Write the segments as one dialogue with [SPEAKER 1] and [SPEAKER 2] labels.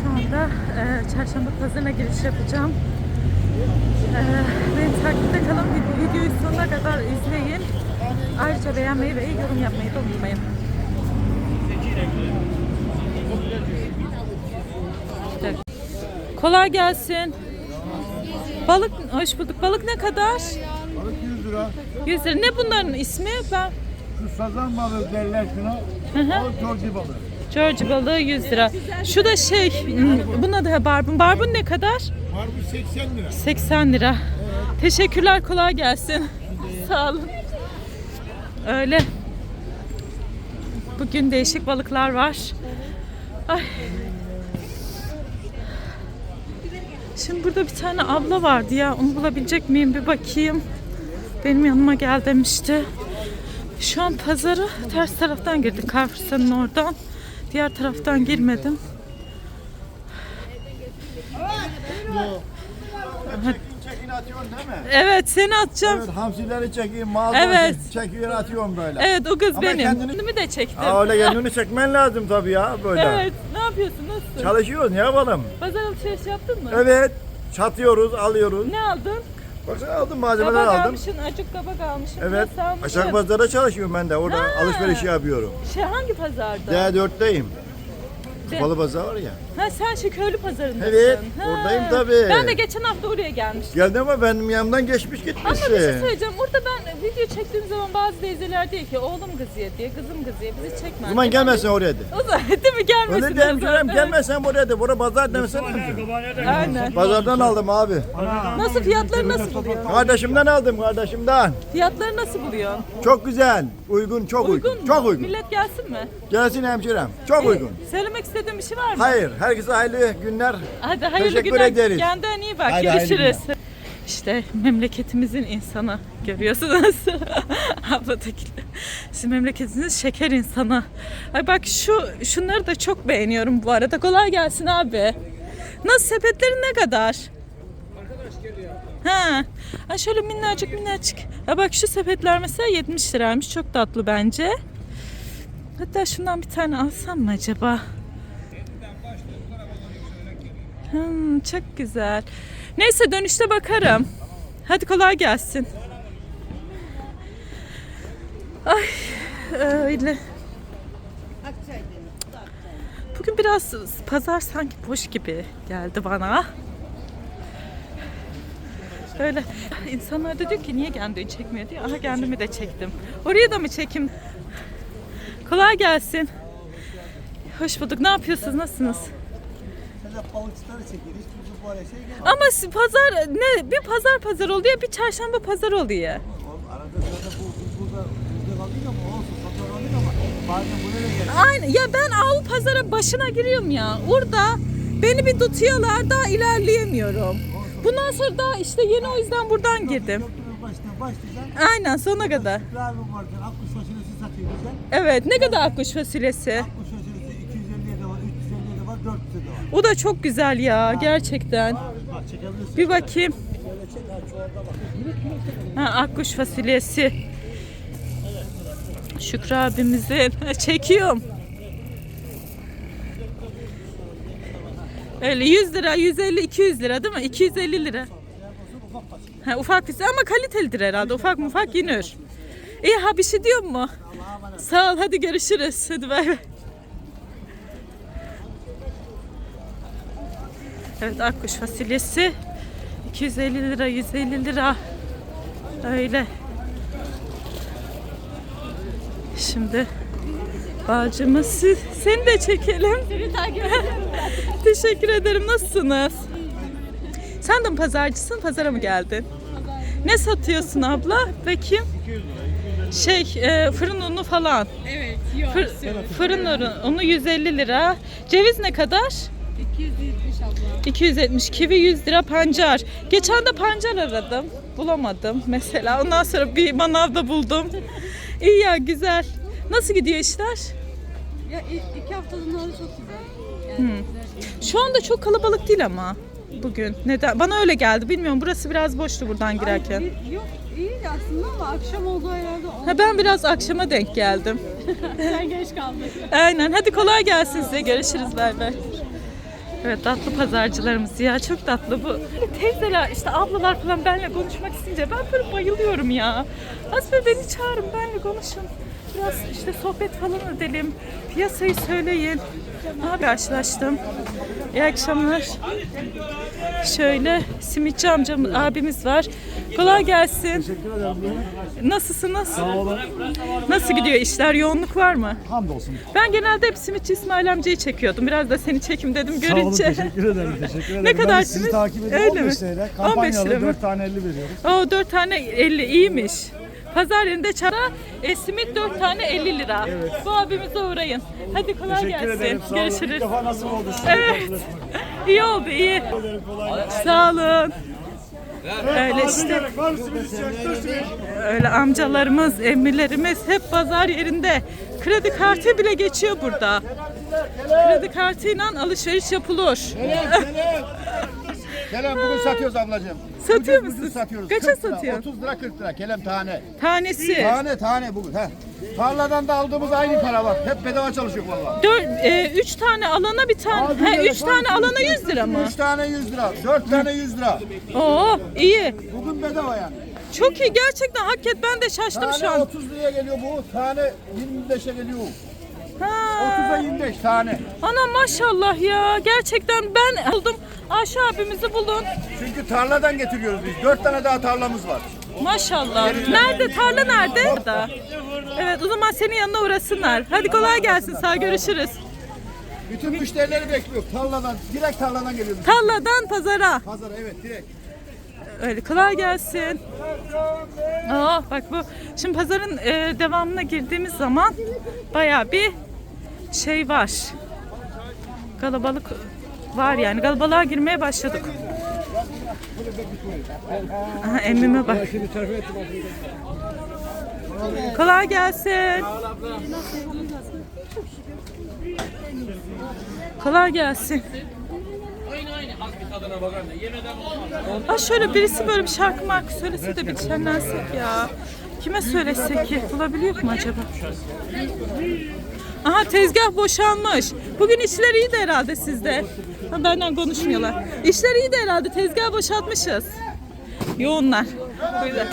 [SPEAKER 1] Şu anda çarşamba pazarına giriş yapacağım. Beni takipte kalın. Videoyu sonuna kadar izleyin. Ayrıca beğenmeyi ve yorum yapmayı da unutmayın. Kolay gelsin. Balık, hoş bulduk. Balık ne kadar?
[SPEAKER 2] Balık 100 lira.
[SPEAKER 1] 100 lira. Ne bunların ismi? Ben...
[SPEAKER 2] Şu sazan balığı derler şuna. Balık George balığı.
[SPEAKER 1] George balığı 100 lira. Şu da buna da barbun. Barbun ne kadar?
[SPEAKER 2] Barbun 80 lira.
[SPEAKER 1] 80 lira. Evet. Teşekkürler, kolay gelsin. Sağ olun. Öyle. Bugün değişik balıklar var. Ay. Şimdi burada bir tane abla vardı ya. Onu bulabilecek miyim bir bakayım. Benim yanıma gel demişti. Şu an pazarı ters taraftan girdik. Carrefour'un oradan. Diğer taraftan girmedim.
[SPEAKER 2] Çekin atıyorsun değil mi?
[SPEAKER 1] Evet, seni atacağım.
[SPEAKER 2] Evet, hamsileri çekeyim, mağazayı
[SPEAKER 1] Evet.
[SPEAKER 2] çekiyor atıyorum böyle.
[SPEAKER 1] Evet, o kız
[SPEAKER 2] Ama
[SPEAKER 1] benim.
[SPEAKER 2] kendini-
[SPEAKER 1] Kendimi de çektim.
[SPEAKER 2] Öyle kendini çekmen lazım tabii ya böyle.
[SPEAKER 1] Evet, ne yapıyorsun, nasılsın?
[SPEAKER 2] Çalışıyoruz, ne yapalım?
[SPEAKER 1] Pazar alışveriş yaptın mı?
[SPEAKER 2] Evet, satıyoruz, alıyoruz.
[SPEAKER 1] Ne aldın?
[SPEAKER 2] Baksana aldım, malzemeler
[SPEAKER 1] Kabak
[SPEAKER 2] aldım.
[SPEAKER 1] almışsın, acık kabak almışsın.
[SPEAKER 2] Evet,
[SPEAKER 1] biraz almışsın.
[SPEAKER 2] aşağı pazarda çalışıyorum ben de. Orada
[SPEAKER 1] Ha.
[SPEAKER 2] alışveriş yapıyorum.
[SPEAKER 1] Hangi pazarda?
[SPEAKER 2] D4'teyim.
[SPEAKER 1] De-
[SPEAKER 2] Kapalı pazar var ya.
[SPEAKER 1] Ha, sen Köylü pazarındasın.
[SPEAKER 2] Evet,
[SPEAKER 1] Ha.
[SPEAKER 2] oradayım tabii.
[SPEAKER 1] Ben de geçen hafta oraya gelmiştim.
[SPEAKER 2] Geldi ama benim yanımdan geçmiş
[SPEAKER 1] Ama
[SPEAKER 2] gitmişsin.
[SPEAKER 1] bir şey söyleyeceğim. Orada ben video çektiğim zaman bazı teyzeler diyor ki oğlum kızıyor diye, kızım kızıyor. Bizi çekmez.
[SPEAKER 2] O zaman gelmezsen oraya de.
[SPEAKER 1] O zaman değil mi? Gelmesin.
[SPEAKER 2] Öyle diyelim Kerem, gelmezsen oraya de. Bura pazar demesen.
[SPEAKER 1] Aynen.
[SPEAKER 2] Pazardan aldım abi.
[SPEAKER 1] Nasıl, fiyatları nasıl buluyorsun?
[SPEAKER 2] Kardeşimden aldım, kardeşimden.
[SPEAKER 1] Fiyatları nasıl buluyorsun?
[SPEAKER 2] Çok güzel. Uygun, çok uygun.
[SPEAKER 1] mu?
[SPEAKER 2] Çok uygun.
[SPEAKER 1] Millet gelsin mi?
[SPEAKER 2] Gelsin hemşirem. Çok uygun.
[SPEAKER 1] Söylemek istediğin bir şey var mı?
[SPEAKER 2] Hayır, herkese hayırlı günler.
[SPEAKER 1] Hadi hayırlı
[SPEAKER 2] Teşekkür
[SPEAKER 1] günler.
[SPEAKER 2] ederiz.
[SPEAKER 1] Kendine iyi bak.
[SPEAKER 2] Haydi, hayırlı
[SPEAKER 1] Görüşürüz. İşte memleketimizin insanı görüyorsunuz. Abladaki. Sizin memleketiniz şeker insanı. Ay bak şunları da çok beğeniyorum bu arada. Kolay gelsin abi. Nasıl, sepetlerin ne kadar? Arkadaş geliyor. Ha. Ay şöyle minnacık minnacık. Ha bak şu sepetler mesela 70 liraymış. Çok tatlı bence. Hatta şundan bir tane alsam mı acaba? Çok güzel. Neyse, dönüşte bakarım. Hadi kolay gelsin. Ay öyle. Bugün biraz pazar sanki boş gibi geldi bana. Öyle. İnsanlar da diyor ki niye kendini çekmiyor diye. Aha, kendimi de çektim. Oraya da mı çekeyim? Kolay gelsin. Hoş bulduk. Ne yapıyorsunuz? Nasılsınız?
[SPEAKER 3] Balıkçıları çekeriz. Çünkü bu araya şey gelmiyor.
[SPEAKER 1] Ama pazar ne? Bir pazar oluyor, bir çarşamba pazar oluyor.
[SPEAKER 3] Arada sırada biz burada kaldık ama olsun satın aldık ama bazen buraya da geldik.
[SPEAKER 1] Aynen. Ya ben Avrupa pazara başına giriyorum ya. Orada beni bir tutuyorlar, daha ilerleyemiyorum. Bundan sonra da işte yeni, o yüzden buradan girdim.
[SPEAKER 3] Baştan başlayacağım.
[SPEAKER 1] Aynen, sonuna kadar.
[SPEAKER 3] İbrahim vardı. Akkuş fasulyesi satıyor güzel.
[SPEAKER 1] Evet, ne kadar akkuş fasulyesi?
[SPEAKER 3] Akkuş fasulyesi 250'ye de var, 350'ye de var, 400'e de var.
[SPEAKER 1] O da çok güzel ya, gerçekten.
[SPEAKER 3] Bak çekebilirsin.
[SPEAKER 1] Bir bakayım. Ha, akkuş fasulyesi. Şükrü abimizin. Çekiyorum. Öyle 100 lira, 150, 200 lira değil mi? 250 lira. Ha, ufak fasulye ama kalitelidir herhalde. Ufak yenir. İyi, ha bir şey diyor mu? Sağ ol, hadi görüşürüz. Hadi bay bay. Evet, akkuş fasulyesi 250 lira, 150 lira. Öyle. Şimdi bacımız, seni de çekelim. Seni takip Teşekkür ederim. Nasılsınız? Sen de mi pazarcısın? Pazara mı geldin? Ne satıyorsun abla? Bakayım. Fırın unu falan.
[SPEAKER 4] Evet, yok.
[SPEAKER 1] Fırın unu 150 lira. Ceviz ne kadar?
[SPEAKER 4] 270 abla.
[SPEAKER 1] 270. Kivi 100 lira, pancar. Geçen de pancar aradım. Bulamadım mesela. Ondan sonra bir manavda buldum. İyi ya, güzel. Nasıl gidiyor işler?
[SPEAKER 4] Ya 2 haftanın alı çok güzel. Yani güzel.
[SPEAKER 1] Şu anda çok kalabalık değil ama bugün. Neden? Bana öyle geldi. Bilmiyorum. Burası biraz boştu buradan girerken.
[SPEAKER 4] Yok, iyiydi aslında ama akşam olduğu herhalde
[SPEAKER 1] Ha, ben biraz akşama denk geldim.
[SPEAKER 4] sen geç kaldın.
[SPEAKER 1] Aynen. Hadi kolay gelsin size. Görüşürüz. Bay bay. Evet, tatlı pazarcılarımız ya, çok tatlı bu. Teyzeler işte, ablalar falan benimle konuşmak isteyince ben böyle bayılıyorum ya. Az böyle beni çağırın, benimle konuşun. Biraz işte sohbet falan edelim. Piyasayı söyleyin. Aha, karşılaştım. İyi akşamlar. Şöyle simitçi abimiz var. Kolay gelsin.
[SPEAKER 3] Teşekkür ederim.
[SPEAKER 1] Nasılsınız?
[SPEAKER 3] Sağ olun.
[SPEAKER 1] Nasıl gidiyor işler? Yoğunluk var mı?
[SPEAKER 3] Hamdolsun.
[SPEAKER 1] Ben genelde hep simitçi İsmail amcayı çekiyordum. Biraz da seni çekim dedim
[SPEAKER 3] Sağ olun,
[SPEAKER 1] görünce.
[SPEAKER 3] teşekkür ederim. Teşekkür ederim.
[SPEAKER 1] Ne
[SPEAKER 3] Ben de
[SPEAKER 1] kadar
[SPEAKER 3] sizi
[SPEAKER 1] simit?
[SPEAKER 3] takip ediyorum.
[SPEAKER 1] Öyle mi?
[SPEAKER 3] 15 TL.
[SPEAKER 1] 15 lira
[SPEAKER 3] Kampanyalı
[SPEAKER 1] mı?
[SPEAKER 3] 4 tane 50 veriyoruz.
[SPEAKER 1] O 4 tane 50 iyiymiş. Pazar yerinde çara simit 4 tane 50 lira. Bu abimize uğrayın. Hadi kolay
[SPEAKER 3] Teşekkür
[SPEAKER 1] gelsin.
[SPEAKER 3] ederim. Sağ olun. İlk
[SPEAKER 1] Görüşürüz.
[SPEAKER 3] defa nasip oldu size.
[SPEAKER 1] Evet. İyi oldu, iyi. Sağ olun. Öyle işte. Öyle amcalarımız, emmilerimiz hep pazar yerinde. Kredi kartı bile geçiyor burada. Kredi kartıyla alışveriş yapılır.
[SPEAKER 2] Kelem bugün satıyoruz ablacığım.
[SPEAKER 1] Satıyor
[SPEAKER 2] Ucuz
[SPEAKER 1] musun?
[SPEAKER 2] satıyoruz.
[SPEAKER 1] Kaça
[SPEAKER 2] 40 lira,
[SPEAKER 1] satıyorsun?
[SPEAKER 2] 30 lira 40 lira kelem tane.
[SPEAKER 1] Tanesi.
[SPEAKER 2] Tane bugün. He. Tarladan da aldığımız aynı para var. Hep bedava çalışıyor valla.
[SPEAKER 1] 3 tane alana bir tane.
[SPEAKER 2] Abi,
[SPEAKER 1] He,
[SPEAKER 2] böyle
[SPEAKER 1] 3 tane alana 100 lira mı?
[SPEAKER 2] 3 tane 100 lira, 4 tane 100 lira.
[SPEAKER 1] Oo, iyi.
[SPEAKER 2] Bugün bedava yani.
[SPEAKER 1] Çok iyi gerçekten, hakikaten ben de şaştım
[SPEAKER 2] Tane
[SPEAKER 1] şu an.
[SPEAKER 2] 30 liraya geliyor bu. Tane 25'e geliyor.
[SPEAKER 1] Ha.
[SPEAKER 2] 30'a 25 tane.
[SPEAKER 1] Ana maşallah ya, gerçekten ben buldum. Ayşe abimizi bulun.
[SPEAKER 2] Çünkü tarladan getiriyoruz biz. 4 tane daha tarlamız var.
[SPEAKER 1] Maşallah. Nerede? Tarla nerede? Burada. Evet, o zaman senin yanına uğrasınlar. Hadi kolay gelsin, sağ görüşürüz.
[SPEAKER 2] Bütün müşterileri bekliyor. Tarladan, direkt tarladan geliyoruz.
[SPEAKER 1] Tarladan pazara.
[SPEAKER 2] Pazara evet direkt.
[SPEAKER 1] Öyle, kolay gelsin. Aa, bak bu. Şimdi pazarın devamına girdiğimiz zaman bayağı bir şey var. Kalabalık var yani. Kalabalığa girmeye başladık. Aha, emmime bak. Kolay gelsin. Kolay gelsin. Aa, şöyle birisi böyle bir şarkı marka söylese de bir şenlensek ya. Kime söylesek ki? Bulabiliyor mu acaba? Aha, tezgah boşalmış. Bugün işler iyi de herhalde sizde. Ha, benden konuşmuyorlar. İşler iyi de herhalde, tezgah boşaltmışız. Yoğunlar. Böyle.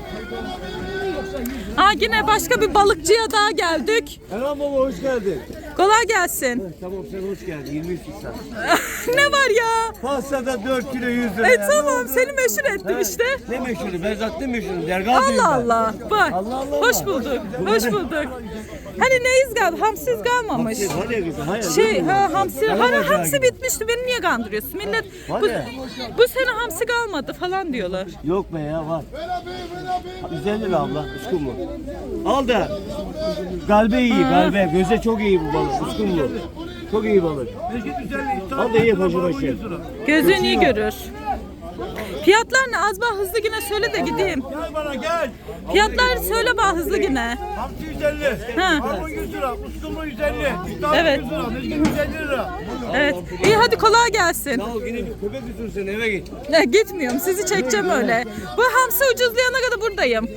[SPEAKER 1] Aa, yine başka bir balıkçıya daha geldik.
[SPEAKER 3] Erhan baba hoş geldin.
[SPEAKER 1] Kolay gelsin.
[SPEAKER 3] Tamam sen hoş geldin. 23 insan.
[SPEAKER 1] Ne var ya?
[SPEAKER 3] Pastada 4 kilo 100 lira. ya.
[SPEAKER 1] Tamam, seni meşhur ettim işte.
[SPEAKER 3] Ne meşhuru? Ben zaten meşhurum. Dergahıyım
[SPEAKER 1] Allah Allah. Bak.
[SPEAKER 3] Allah Allah.
[SPEAKER 1] Hoş bulduk. Hoş bulduk. Hani neyiz gal? Hamsiz kalmamış. Hamsi. Hani hamsi bitmişti. Beni niye kandırıyorsun? Millet bu sene hamsi kalmadı falan diyorlar.
[SPEAKER 3] Yok be ya var. 150 lira abla. Uskun mu? Al da. Galbe iyi galbe. Göze çok iyi bu balık. Uskun bu. Çok iyi balık. Al da iyi başı başı.
[SPEAKER 1] Gözün iyi görür. Fiyatlar ne? Az bana hızlı yine söyle de gideyim.
[SPEAKER 3] Gel bana gel.
[SPEAKER 1] Fiyatları söyle bana hızlı yine.
[SPEAKER 3] Hamsi 150.
[SPEAKER 1] Ha.
[SPEAKER 3] Armut 100 lira. Uskumru 150.
[SPEAKER 1] Evet.
[SPEAKER 3] 100 lira. Mezgin 150 lira.
[SPEAKER 1] Evet. İyi, hadi kolay gelsin.
[SPEAKER 3] Al yine bir köpek götürsün eve git.
[SPEAKER 1] Gitmiyorum. Sizi çekeceğim öyle. Bu hamsi ucuzlayana kadar buradayım.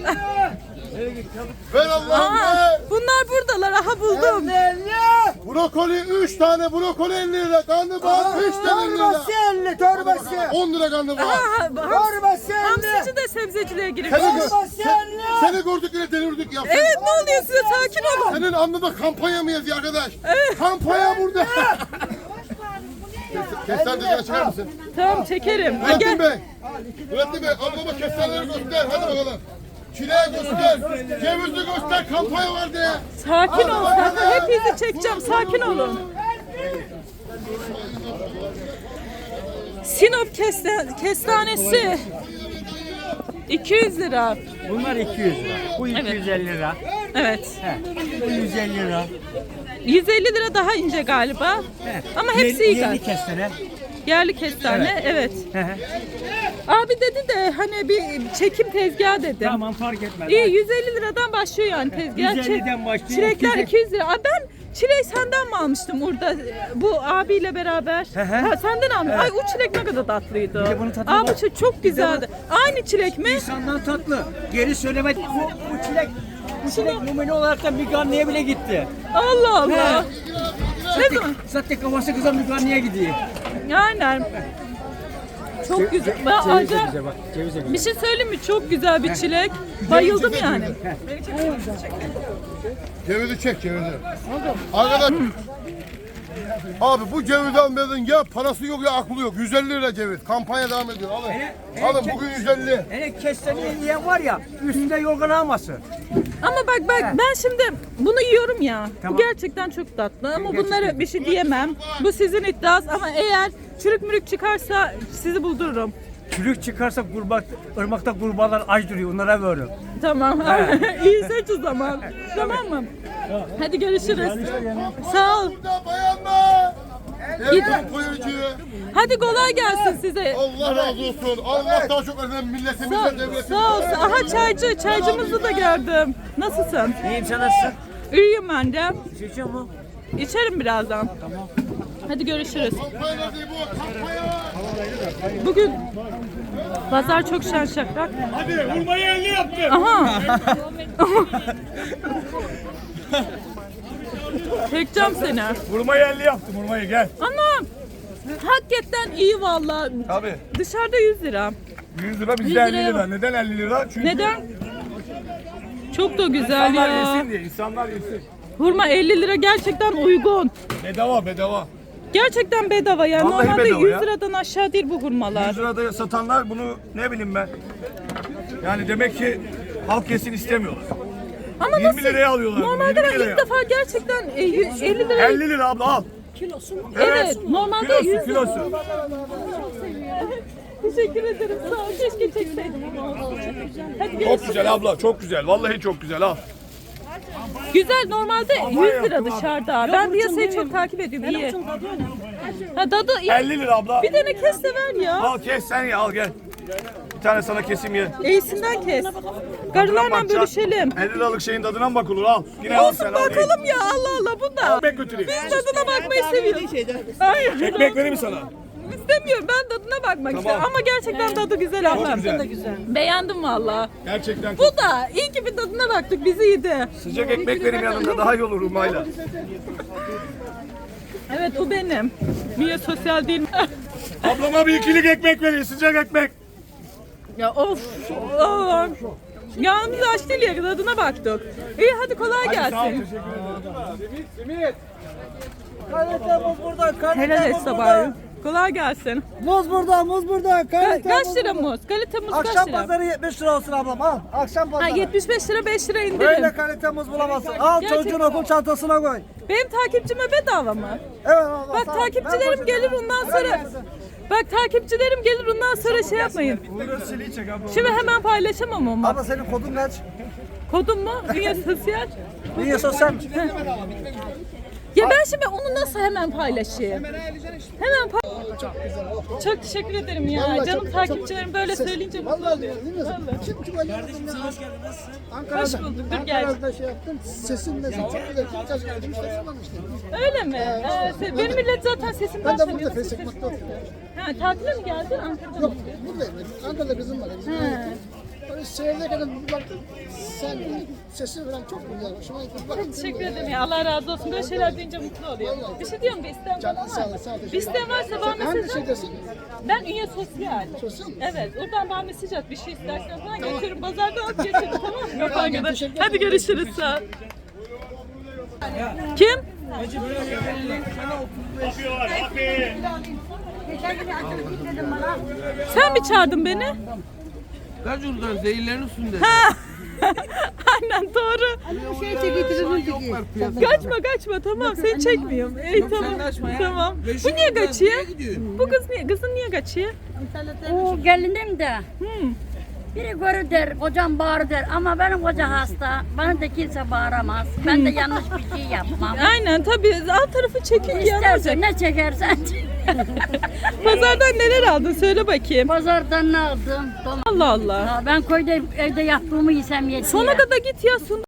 [SPEAKER 2] Ver Allah'ım
[SPEAKER 1] Aa, bunlar buradalar. Aha, buldum.
[SPEAKER 2] Brokoli 3 tane brokoli 50 lira. Karnabahar 5 tane 50 lira.
[SPEAKER 3] 50 torbası.
[SPEAKER 2] 10 lira karnabahar.
[SPEAKER 1] Hamsici de sebzeciliğe girmiş.
[SPEAKER 2] Seni gördük yine delirdik ya.
[SPEAKER 1] Evet, ne oluyor size? Sakin olun.
[SPEAKER 2] Senin anında kampanya mı yazıyor arkadaş? Kampanya burada. Kestaneleri çıkar mısın?
[SPEAKER 1] Tamam, çekerim. Ha,
[SPEAKER 2] Nurettin
[SPEAKER 1] gel.
[SPEAKER 2] Bey. Nurettin Bey, ablama kestaneleri göster. Hadi bakalım. Çileği göster. Cevizi göster. Kampanya var diye.
[SPEAKER 1] Sakin ol. Hepinizi çekeceğim. Sakin olun. Sinop kestanesi 200 lira.
[SPEAKER 3] Bunlar 200 lira. Bu 250 lira.
[SPEAKER 1] Evet.
[SPEAKER 3] Bu 150 lira.
[SPEAKER 1] 150 lira daha ince galiba. Ama hepsi iyi
[SPEAKER 3] Yerli
[SPEAKER 1] galiba.
[SPEAKER 3] kestane.
[SPEAKER 1] Yerli kestane, evet. Abi dedi de hani bir çekim tezgahı dedim.
[SPEAKER 3] Tamam fark etmez.
[SPEAKER 1] İyi, 150 liradan başlıyor yani tezgah.
[SPEAKER 3] 150'den başlıyor,
[SPEAKER 1] Çilekler
[SPEAKER 3] 200'e
[SPEAKER 1] 200 lira. Aa, ben çileği senden mi almıştım orada bu abiyle beraber? Ha, senden almıştım. Ay, o çilek ne kadar tatlıydı.
[SPEAKER 3] Bir de bunun tadı
[SPEAKER 1] Aa,
[SPEAKER 3] var.
[SPEAKER 1] bu çilek çok güzeldi. Aynı çilek mi?
[SPEAKER 3] İnsanlar tatlı. Geri söylemedi. Bu çilek numune olarak da bir garneye bile gitti.
[SPEAKER 1] Allah Allah. Ne zaman?
[SPEAKER 5] Zaten kafası kızan yukarıya gidiyor.
[SPEAKER 1] Aynen. Çok güzel. Ben
[SPEAKER 5] Ceviz de
[SPEAKER 1] acayip-
[SPEAKER 5] güzel bak. Ceviz de güzel.
[SPEAKER 1] bir şey söyleyeyim mi? Çok güzel bir çilek. Bayıldım yani.
[SPEAKER 2] Cevizi çek cevizi. Arkadaş. Abi bu cevizi almadın ya parası yok ya aklı yok. 150 lira ceviz. Kampanya devam ediyor. Alın. Alın bugün 150.
[SPEAKER 5] Hele kesteni yiyen var ya üstünde yorgan alması.
[SPEAKER 1] Ama bak ben şimdi bunu yiyorum ya.
[SPEAKER 5] Tamam.
[SPEAKER 1] Bu gerçekten çok tatlı ama bunlara bir şey diyemem. Bu sizin iddianız ama eğer çürük mürük çıkarsa sizi buldururum.
[SPEAKER 5] Çürük çıkarsa ırmakta kurbağalar aç duruyor. Onlara veriyor.
[SPEAKER 1] Tamam. İyi seç o zaman. Tamam mı? Hadi görüşürüz. Sağ ol.
[SPEAKER 2] Burada bayanlar.
[SPEAKER 1] Git.
[SPEAKER 2] Erkek koyucu.
[SPEAKER 1] Hadi kolay gelsin size.
[SPEAKER 2] Allah razı olsun. Allah daha çok önemli milletimize,
[SPEAKER 1] Sağ,
[SPEAKER 2] devletimize.
[SPEAKER 1] sağ ol. Aha çaycımızı da gördüm. Nasılsın?
[SPEAKER 5] İyiyim sen nasılsın?
[SPEAKER 1] İyiyim ben de.
[SPEAKER 5] İçiyor mu?
[SPEAKER 1] İçerim birazdan. Tamam. Hadi görüşürüz.
[SPEAKER 2] Kampanya değil bu. Kampanya.
[SPEAKER 1] Bugün pazar çok şen şakrak.
[SPEAKER 6] Hadi vurmayı 50 yaptı.
[SPEAKER 1] Aha. Çekeceğim seni.
[SPEAKER 6] Vurmayı 50 yaptım vurmayı gel.
[SPEAKER 1] Anam. Hakikaten iyi vallahi.
[SPEAKER 6] Tabii.
[SPEAKER 1] Dışarıda 100 lira.
[SPEAKER 6] 100 lira
[SPEAKER 1] 100
[SPEAKER 6] bizde 50
[SPEAKER 1] liraya
[SPEAKER 6] lira.
[SPEAKER 1] bak.
[SPEAKER 6] Neden 50 lira? Çünkü
[SPEAKER 1] Neden? Çok da güzel
[SPEAKER 6] insanlar
[SPEAKER 1] ya.
[SPEAKER 6] yesin diye. İnsanlar yesin.
[SPEAKER 1] Hurma 50 lira gerçekten uygun.
[SPEAKER 6] Bedava bedava.
[SPEAKER 1] Gerçekten bedava ya.
[SPEAKER 6] Vallahi
[SPEAKER 1] Normalde
[SPEAKER 6] bedava
[SPEAKER 1] 100
[SPEAKER 6] ya.
[SPEAKER 1] liradan aşağı değil bu hurmalar.
[SPEAKER 6] 100 lirada satanlar bunu ne bileyim ben. Yani demek ki halk kesin istemiyorlar.
[SPEAKER 1] Ama
[SPEAKER 6] 20 liraya alıyorlar.
[SPEAKER 1] Normalde
[SPEAKER 6] 20
[SPEAKER 1] ben
[SPEAKER 6] liraya.
[SPEAKER 1] ilk defa gerçekten 50 lira.
[SPEAKER 6] 50 lira abla al.
[SPEAKER 1] Evet, normalde
[SPEAKER 6] Kilosu
[SPEAKER 1] 100 lira.
[SPEAKER 6] kilosu.
[SPEAKER 1] Teşekkür ederim. Sağ ol. Keşke çekseydim. Hadi
[SPEAKER 6] Çok
[SPEAKER 1] görüşürüz.
[SPEAKER 6] güzel abla çok güzel. Vallahi çok güzel al.
[SPEAKER 1] Güzel normalde 100 lira
[SPEAKER 6] yaptım abi.
[SPEAKER 1] dışarıda. Ben piyasayı çok takip ediyorum. İyi. Ha tadı iyi.
[SPEAKER 6] 50 lira abla.
[SPEAKER 1] Bir tane kes de ver ya.
[SPEAKER 6] Al kes sen ye al gel. Bir tane sana kesim ye.
[SPEAKER 1] İyisinden kes. Karılarla bölüşelim.
[SPEAKER 6] 50 liralık şeyin tadına mı bakılır al. Yine al sen
[SPEAKER 1] Olsun
[SPEAKER 6] al. ye.
[SPEAKER 1] bakalım ya Allah Allah bu da.
[SPEAKER 6] Ekmek götüreyim.
[SPEAKER 1] Biz tadına bakmayı seviyoruz. Hayır.
[SPEAKER 6] Ekmek vereyim mi sana?
[SPEAKER 1] İstemiyorum ben tadına bakmak istiyorum ama gerçekten tadı güzel ablam.
[SPEAKER 6] güzel.
[SPEAKER 1] Beğendim valla.
[SPEAKER 6] Gerçekten
[SPEAKER 1] Bu da iyi ki bir tadına baktık bizi yedi.
[SPEAKER 6] sıcak ekmek vereyim yanında daha iyi olur Rumayla.
[SPEAKER 1] Evet bu benim. Niye sosyal değil mi?
[SPEAKER 6] Ablama bir ikilik ekmek vereyim sıcak ekmek.
[SPEAKER 1] Ya of. Yanımız aç değil ya tadına baktık. İyi hadi kolay
[SPEAKER 6] Sağ ol
[SPEAKER 1] gelsin.
[SPEAKER 6] teşekkür ederim.
[SPEAKER 5] Kalitemiz burada.
[SPEAKER 1] Helal et sabahı. Kolay gelsin.
[SPEAKER 5] Muz burada, muz burada.
[SPEAKER 1] Kaç lira muz? Kalite muz kaç
[SPEAKER 5] Akşam
[SPEAKER 1] lira?
[SPEAKER 5] pazarı 70 lira olsun ablam al. Akşam
[SPEAKER 1] Ha,
[SPEAKER 5] pazarı.
[SPEAKER 1] 75 lira 5 lira
[SPEAKER 5] Böyle
[SPEAKER 1] indirim.
[SPEAKER 5] kalite muz bulamazsın. Al
[SPEAKER 1] Gerçekten.
[SPEAKER 5] çocuğun okul çantasına koy.
[SPEAKER 1] Benim takipçime bedava mı?
[SPEAKER 5] Evet abla.
[SPEAKER 1] Bak
[SPEAKER 5] sağ ol.
[SPEAKER 1] takipçilerim
[SPEAKER 5] Ben
[SPEAKER 1] gelir ondan sonra. Bak takipçilerim gelir ondan sonra şey yapmayın.
[SPEAKER 6] Burası çek abla.
[SPEAKER 1] Şimdi hemen paylaşamam ama.
[SPEAKER 5] Abla senin kodun kaç?
[SPEAKER 1] Kodum mu? Dünya Sosyal.
[SPEAKER 5] Niye sosyal?
[SPEAKER 1] Ya ben şimdi onu nasıl hemen paylaşayım? Hemen Çok teşekkür ederim ya. Canım takipçilerim böyle söyleyince mutlu oluyor. Hoş bulduk. Dur gel.
[SPEAKER 7] Ankara'da şey yaptım, sesin nesin çok güzel, çok geldim işte kullanmıştım.
[SPEAKER 1] Öyle mi? Benim millet zaten sesimden
[SPEAKER 7] Ben de
[SPEAKER 1] tanıyor.
[SPEAKER 7] burada Facebook'ta oturuyorum.
[SPEAKER 1] Ha, tatile mi geldin? Ankara'da mı?
[SPEAKER 7] Yok, buradayım. Ankara'da kızım var. Bizim
[SPEAKER 1] Ha.
[SPEAKER 7] böyle seyrederken bir baktım, sen sesin falan çok güzel, hoşuma gitti. Baktım,
[SPEAKER 1] Teşekkür ederim ya. Allah razı olsun. Böyle şeyler duyunca mutlu oluyor. Bir şey diyorum bir isteğin falan
[SPEAKER 7] Canın sağ ol,
[SPEAKER 1] var.
[SPEAKER 7] sağ ol, teşekkür
[SPEAKER 1] Bir isteğin varsa bana
[SPEAKER 7] hangi
[SPEAKER 1] mesaj at.
[SPEAKER 7] şeydesin?
[SPEAKER 1] Ben Ünye Sosyal.
[SPEAKER 7] Sosyal mı?
[SPEAKER 1] Evet. Oradan bana mesaj at. Bir şey istersen falan götürürüm. Pazardan at götürürüm. Tamam mı? Kafan kadar.
[SPEAKER 7] teşekkür
[SPEAKER 1] Hadi görüşürüz. Sağ ol. Kim? Sen mi çağırdın beni?
[SPEAKER 8] Gacur'dan zehirlerin üstünde.
[SPEAKER 1] Aynen doğru. Kaçma tamam seni çekmiyorum. İyi tamam. Tamam. Bu niye kaçıyor? Bu kız niye? Kızın niye kaçıyor?
[SPEAKER 9] O gelinim de. Biri görür der, kocam bağırır der ama benim koca hasta. Bana da kimse bağıramaz. Ben de yanlış bir şey yapmam.
[SPEAKER 1] Aynen tabii alt tarafı çekin yanacak.
[SPEAKER 9] İstersen ne çekersen.
[SPEAKER 1] Pazardan neler aldın söyle bakayım.
[SPEAKER 9] Pazardan ne aldım?
[SPEAKER 1] Allah Allah.
[SPEAKER 9] Ben köyde evde yaptığımı yesem yetiyor.
[SPEAKER 1] Sona kadar git ya.